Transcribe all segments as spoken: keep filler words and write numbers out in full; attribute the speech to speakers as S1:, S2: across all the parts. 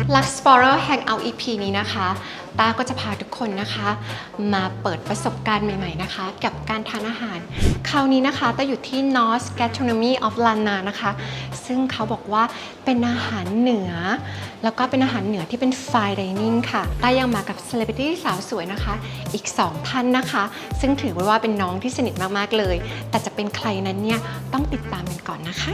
S1: Lux Explorer Hangout อี พี นี้นะคะต้าก็จะพาทุกคนนะคะมาเปิดประสบการณ์ใหม่ๆนะคะกับการทานอาหารคราวนี้นะคะต้าอยู่ที่ North Gastronomy of Lanna นะคะซึ่งเขาบอกว่าเป็นอาหารเหนือแล้วก็เป็นอาหารเหนือที่เป็น Fine Dining ค่ะต้ายังมากับ Celebrity สาวสวยนะคะอีกสองท่านนะคะซึ่งถือว่าเป็นน้องที่สนิทมากๆเลยแต่จะเป็นใครนั้นเนี่ยต้องติดตามกันก่อนนะคะ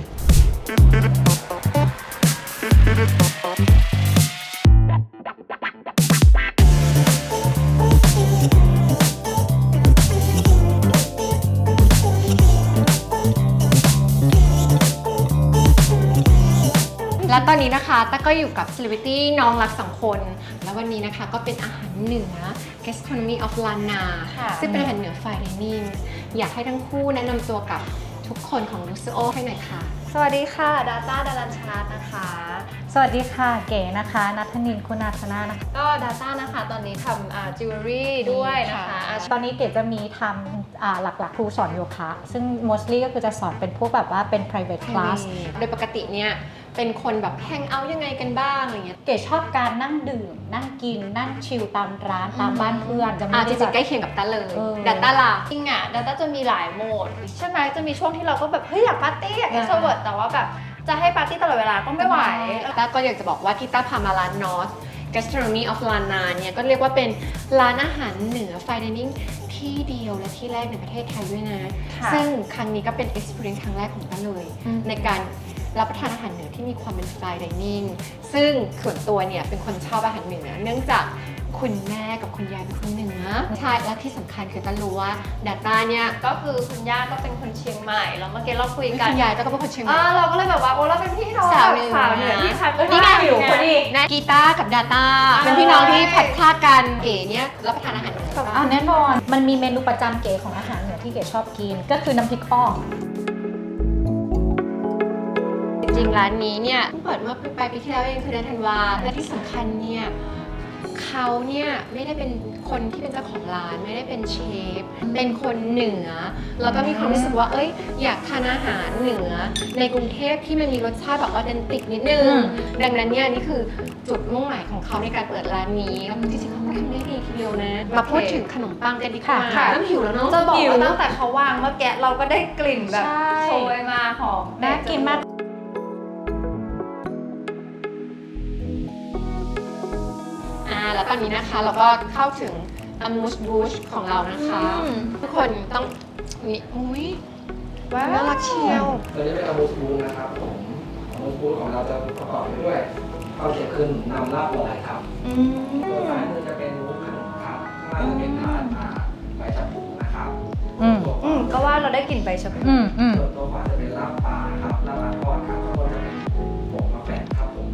S1: และตอนนี้นะคะต้าก็อยู่กับ Celebrity น้องรักสองคนแล้ววันนี้นะคะก็เป็นอาหารเหนือ Gastronomy of Lanna ซึ่งเป็นอาหารเหนือ Fine Dining อยากให้ทั้งคู่แนะนำตัวกับทุกคนของ Luxio ให้หน่อยค่ะ
S2: สวัสดีค่ะดาต้าดารัญชาตนะคะ
S3: สวัสดีค่ะเก๋นะคะนัทนินคุณาธนานะคะ
S2: ก็ดาต้านะคะตอนนี้ทำอ่าจิวเวลรี่ด้วยนะคะ
S3: ตอนนี้เก๋จะมีทำอ่าหลักๆครูสอนโยคะซึ่ง mostly ก็คือจะสอนเป็นพวกแบบว่าเป็น private class
S1: โดยปกติเนี่ยเป็นคนแบบแฮงเอาท์ยังไงกันบ้างอะไรเงี้ย
S3: เก๋ชอบการนั่งดื่มนั่งกินนั่งชิลตามร้านตามบ้านเพื่อนจะไม่ได้
S1: แบบใกล้เคียงกับต้าเลยดาต้าล่ะ
S2: จริงอ่ะดาต้าจะมีหลายโหมดใช่ไหมจะมีช่วงที่เราก็แบบเฮ้ยอยากปาร์ตี้อยาก extrovert แต่ว่าแบบจะให้ปาร์ตี้ตลอดเวลาก็ไม่ไหว
S1: ต้าก็อยากจะบอกว่าที่ต้าพามาร้าน North Gastronomy of Lanna เนี่ยก็เรียกว่าเป็นร้านอาหารเหนือ Fine Dining ที่เดียวและที่แรกในประเทศไทยด้วยนะซึ่งครั้งนี้ก็เป็น experience ครั้งแรกของต้าเลยในการรับประทานอาหารเหนือที่มีความเป็น Fine Dining ซึ่งส่วนตัวเนี่ยเป็นคนชอบอาหารเหนือเนื่องจากคุณแม่กับคุณยายเป็นคนเหนือใช่และที่สำคัญคือต้ารู้ว่าดาต้าเนี่ย
S2: ก็คือคุณย่าก็เป็นคนเชียงใหม่แล้วเมื่อกี้เราคุยกัน
S1: คุณยายต้าก็เป็นคนเชียงใหม่
S2: เราก็เลยแบบว่าโอ้เราเป็นพี่น้องสาวเหนือสาวเหนือที่พัด
S1: นี่ไงอยู่พอดีกีตาร์กับดาต้าเป็นพี่น้องที่พัดพลาดกันเก๋เนี่ยรับประทานอาหารเหนือ
S3: อ่าแน่นอนมันมีเมนูประจำเก๋ของอาหารเหนือที่เก๋ชอบกินก็คือน้ำพริกอ่อง
S1: จริงร้านนี้เนี่ยเพิ่งเปิดเมื่อปลายปีที่แล้วเองคือเดือนธันวาและที่สำคัญเนี่ยเขาเนี่ยไม่ได้เป็นคนที่เป็นเจ้าของร้านไม่ได้เป็นเชฟเป็นคนเหนือแล้วก็มีความรู้สึกว่าเอ้ยอยากทานอาหารเหนือในกรุงเทพที่มันมีรสชาติแบบออเทนติกนิดนึงดังนั้นเนี่ยนี่คือจุดมุ่งหมายของเขาในการเปิดร้านนี้แล้วจริงๆเขาทำได้ดีทีเดียวนะมาพูดถึงขนมปังกันดีกว่าเริ่มหิวแล้วเนาะ
S2: จะบอกว่าตั้งแต่เขาวางเมื่อกี้เราก็ได้กลิ่นแบบโชยมาหอม
S3: น่ากินมาก
S1: แล้วตอนนี้นะคะเราก็เข้าถึงอามูสบูชของเรานะคะทุกคนต้องนี่อุ้ยว้าวน่ารักเชียว
S4: ตัวนี้เป็นอามูสบูชนะครับผมอามูสบูชของเราจะประกอบไปด้วยข้าวเสียขึ้นนำลาบลอยครับตัวซ้ายมือจะเป็นวุ้นขนมครับข้างล่างจะเป็นทานใบชะพูนะครับ
S2: อืมก็ว่าเราได้กลิ่นใบชะพู
S4: ส่วนตัวขวาจะเป็นลาบปลาครับลาบปลาทอดครับข้างบนจะเป็นผงมะแขวนครับผม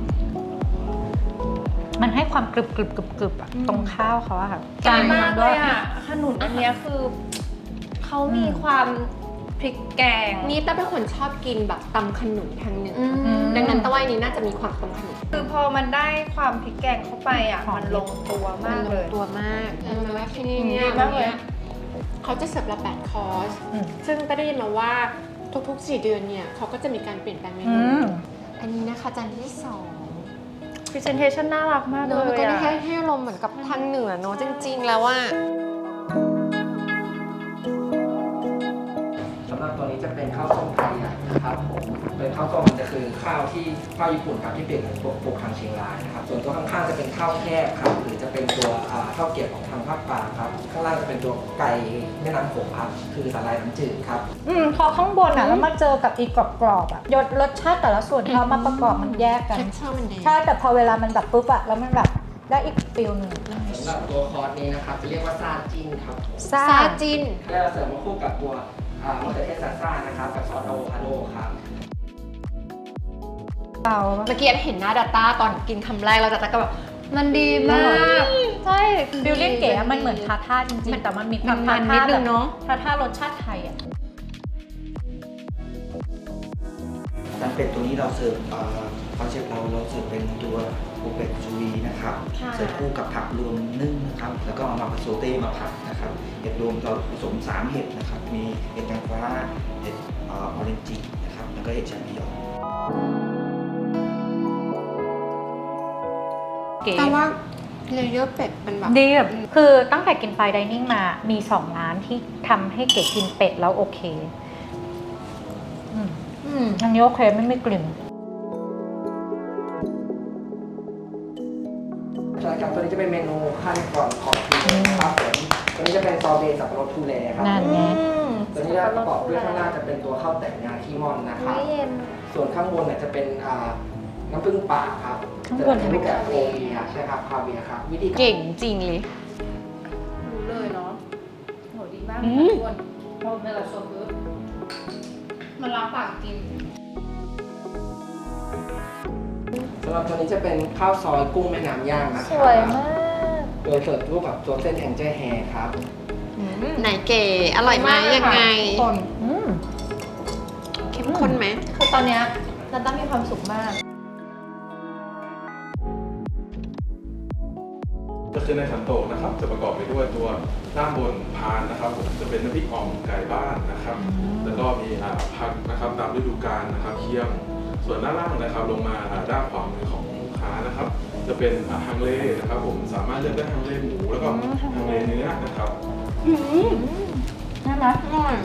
S3: มันให้ความกรึบกรึบกรึบกรึบอะตรงข้าวเขาอะค่ะ
S2: จานมากเลยอะขนุนอันนี้คือเขามีความพริกแกง
S1: นี่ต้าเป็นคนชอบกินแบบตำขนุนทางเหนือดังนั้นต้าว่านี้น่าจะมีความตำขนุน
S2: คือพอมันได้ความพริกแกงเข้าไปอะมันลงตัวมากเลย
S1: ตัวมากแล้วที่นี่เนี่ยเขาจะเสิร์ฟละแปดคอร์สซึ่งต้าได้ยินมาว่าทุกๆสี่เดือนเนี่ยเขาก็จะมีการเปลี่ยนแปลงเมนูอันนี้นะคะจานที่สอง
S2: presentation น่ารักมากเลย
S1: ก็ได้ให้ให้ลมเหมือนกับทางเหนือเนอะจริงๆแล้วว่า
S4: สำหรับตัวนี้จะเป็นข้าวส้มไทยใหญ่นะครับผมเป็นข้าวส้มมันจะคือข้าวที่ข้าวญี่ปุ่นครับที่เปลี่ยนเป็นปลูกทางเชียงรายนะครับส่วนตัวข้างๆจะเป็นข้าวแคบครับหรือจะเป็นตัวข้าวเกรี๊ยวของทางภาคกลางครับข้างล่างจะเป็นตัวไก่แม่น้ำโขงครับคือสาหร่ายน้ำจืดครับ
S3: อืมพอข้างบนอ่ะแล้วมาเจอกับอีกกรอบๆอ่ะยศรสชาติแต่ละส่วนเขามาประกอบมันแยกกันใช่แต่พอเวลามันแบบปุ๊บอ่ะแล้วมันแบบได้อีกฟิลหนึ่ง
S4: สำหรับตัวคอร์สนี้นะครับจะเรียกว่าซาจินครับ
S1: ซาจิน
S4: แล้วเสริมมาคู่กับตัวมะเขือเทศซาซ่านะครับกับซอสอะโวคาโดครับ
S1: เมื่อกี้เห็นหน้าดัตต้าตอนกินคำแรกเราดัตต้าก็แบบมันดีมาก
S3: ใช่ฟิลลิ่งเก๋มันเหมือนทาท่าจริงๆแต่มันมีความทาท่าแบบทาท่ารสชาติไทยอ่ะ
S5: น้ำเป็ดตัวนี้เราเสิร์ฟคอนเซ็ปต์เราเราเสิร์ฟเป็นตัวปูเป็ดซูวีนะครับเสิร์ฟคู่กับผักรวมนึ่งนะครับแล้วก็เอามาผสมเต้มาผัดนะครับเห็ดรวมเราผสมสามเห็ดนะครับมีเห็ดนางฟ้าเห็ดออเรนจินะครับแล้วก็เห็ดแชมปิญอง
S3: เก๋
S1: แต่ว่าเลเยอร์เป็ดมันแบบ
S3: ดีแบบคือตั้งแต่กินไฟดิเนิ่งมามีสองร้านที่ทำให้เก๋กินเป็ดแล้วโอเคอืม
S1: อืม
S3: อันนี้โอเคไม่มีกลิ่น
S4: ใช่ครับตัวนี้จะเป็นเมนูขั้นก่อนของทีครับผมตัวนี้จะเป็นซอเบต์สับปะรดทูเลครับ
S3: นั่นไง
S4: ตัวนี้จะประกอบด้วยข้างหน้าจะเป็นตัวข้าวแต่งงาขี้ม่อนนะครับ
S2: ไม่เย็น
S4: ส่วนข้างบนเนี่ยจะเป็นอ่าน้ำผึ้งป่าครับ
S3: ข้าง
S4: จะ
S3: บน
S4: เป็นรูปแบบโคเวียใช่ครับคาเวียครับวิธี
S1: เก่งจริงเลย
S2: รู้เลยเนาะโหดีมาก
S1: อื
S2: เลย
S1: ม
S2: ทุกคนเพราะเวลาโซฟมันล้างปากจริง
S4: สำหรับตัวนี้จะเป็นข้าวซอยกุ้งแม่น้ำย่างนะค
S2: ส
S4: รับ
S2: วยมาก
S4: โดยเสิร์ฟรูปแบบตัวเส้นแองเจิลแฮร์ครับ
S1: ไหนเก๋อร่อยไหมยังไง
S2: ทุกคน
S3: อืม
S1: เข้มข้นไหม
S2: คือตอนเนี้ยนันต้ามีความสุขมาก
S6: ก็คือในขันโตกนะครับจะประกอบไปด้วยตัวด้านบนพานนะครับผมจะเป็นน้ำพริกอ่อมไก่บ้านนะครับ แล้วก็มีอ่าผักนะครับตามฤดูกาลนะครับเคี่ยงส่วนด้านล่างนะครับลงมาอ่าด้านขวามือของลูกค้านะครับ จะเป็นอ่าฮังเลนะครับผมสามารถเลือกได้ฮังเลหมูแล้วก็ฮังเลเนื้อนะครับ
S3: ใช่ไหม
S1: อร่อย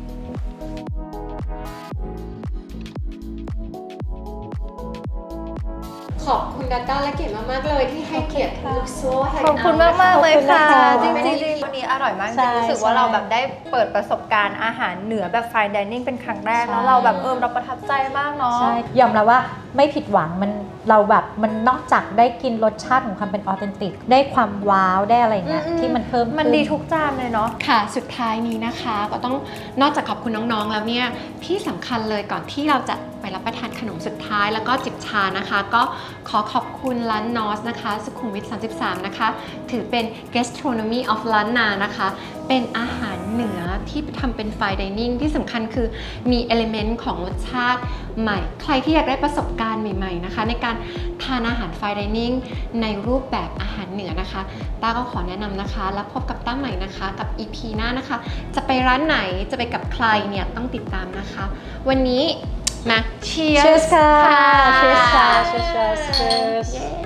S1: ขอบคุณดัตต้าและเก๋มากๆเลยที่ให้เกียรติลูกโซ่แห่ง
S2: ขอบคุณมากมากๆเลยค่ะ
S3: ขอบ
S2: จ
S3: คุณนะคะ
S2: ริงๆจริงๆวันนี้อร่อยมากจ
S3: ใช่
S2: ริงๆรู้สึกว่า
S3: ใช่
S2: เราแบบได้เปิดประสบการณ์อาหารเหนือแบบ fine dining เป็นครั้งแรก
S3: ใช่
S2: แล้วเราแบบเออเราประทับใจมากเนาะ
S3: ใช่ยอมรับว่าไม่ผิดหวังมันเราแบบมันนอกจากได้กินรสชาติของความเป็นออเทนติกได้ความว้าวได้อะไรเงี้ย
S2: อืม
S3: ที่มันเพิ่ม
S2: มัน
S3: ขึ้
S2: ดีทุกจานเลยเนาะ
S1: ค่ะ สุดท้ายนี้นะคะก็ต้องนอกจากขอบคุณน้องๆ แล้วเนี่ยที่สำคัญเลยก่อนที่เราจะไปรับประทานขนมสุดท้ายแล้วก็จิบชานะคะ ก็ขอขอบคุณร้านนอสนะคะสุขุมวิทสามสิบสามนะคะถือเป็น gastronomy of ล้านนานะคะ เป็นอาหารเหนือที่ทำเป็น fine dining ที่สำคัญคือมี element ของรสชาติใหม่ ใครที่อยากได้ประสบการณ์ใหม่ๆนะคะ ในการทานอาหาร fine dining ในรูปแบบอาหารเหนือนะคะต้าก็ขอแนะนำนะคะ แล้วพบกับต้าใหม่นะคะกับ อี พี หน้านะคะ จะไปร้านไหนจะไปกับใครเนี่ยต้องติดตามนะคะ วันนี้มา cheers
S3: Cheers ค่ะ
S1: ค่ะ
S3: Cheers ค่ะ Cheers Cheers Cheers